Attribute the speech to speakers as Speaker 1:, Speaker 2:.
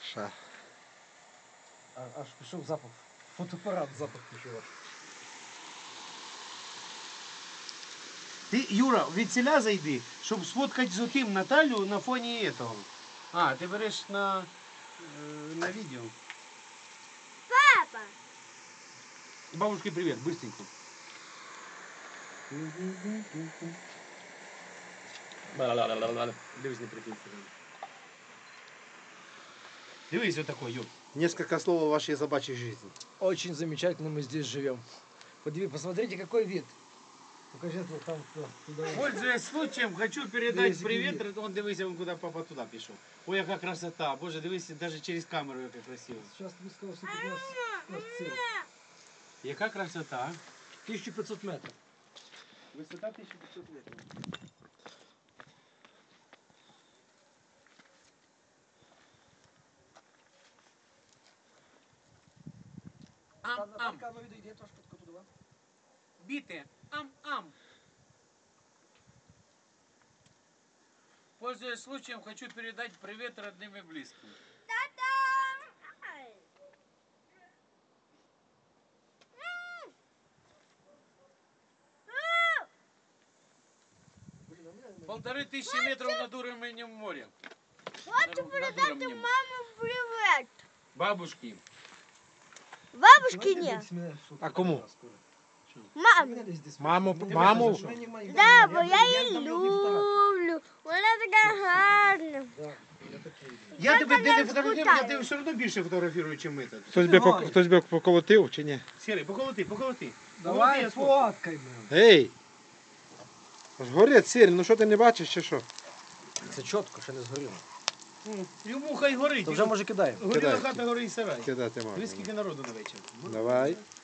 Speaker 1: Ша.
Speaker 2: Аж пішов запах. Фотоапарат запах пішов аж.
Speaker 3: Ти, Юра, від селя зайди, щоб сфоткати з отим Наталю на фоні этого. А, ти береш на відео.
Speaker 4: Папа!
Speaker 3: Бабушке привет, быстренько. Дивись, не прикинься. Дивись, вот такой, Юр.
Speaker 1: Несколько слов о вашей собачьей жизни.
Speaker 2: Очень замечательно мы здесь живем. Посмотрите, какой вид. Покажи вот там туда.
Speaker 3: Пользуясь случаем, хочу передать привет. Он дивися, он куда папа туда пішов. Ой, яка красота. Боже, дивись, даже через камеру яка красиво.
Speaker 2: Сейчас ты сказал, что тут у нас цель.
Speaker 3: Яка красота.
Speaker 2: 1500 метров.
Speaker 3: Висота 1500 метрів. Ам-ам. Біти. Ам-ам. Пользуясь случаем, хочу передать привет родным и близким. Полторы тысячи метров над уровнем моря.
Speaker 4: Хочу передати мамі привіт.
Speaker 3: Бабушки.
Speaker 4: Бабушки ні.
Speaker 1: А кому?
Speaker 4: Мамі.
Speaker 1: Маму?
Speaker 4: Да, бо я її люблю. Вона така гарна.
Speaker 3: Я тебе не фотографую, я тебе все одно більше фотографірую, ніж ми тут.
Speaker 1: Хтось би поколотив чи ні?
Speaker 3: Сірий, поколоти.
Speaker 2: Давай фоткай.
Speaker 1: Ей! Аж горить сірі, ну що ти не бачиш чи що?
Speaker 2: Це чітко, ще не згоріло.
Speaker 3: Йому хай горить.
Speaker 2: То вже може кидаємо.
Speaker 3: Горіла хата, горить сарай.
Speaker 1: Кидати можна.
Speaker 3: Дивись, скільки народу на вечір.
Speaker 1: Давай.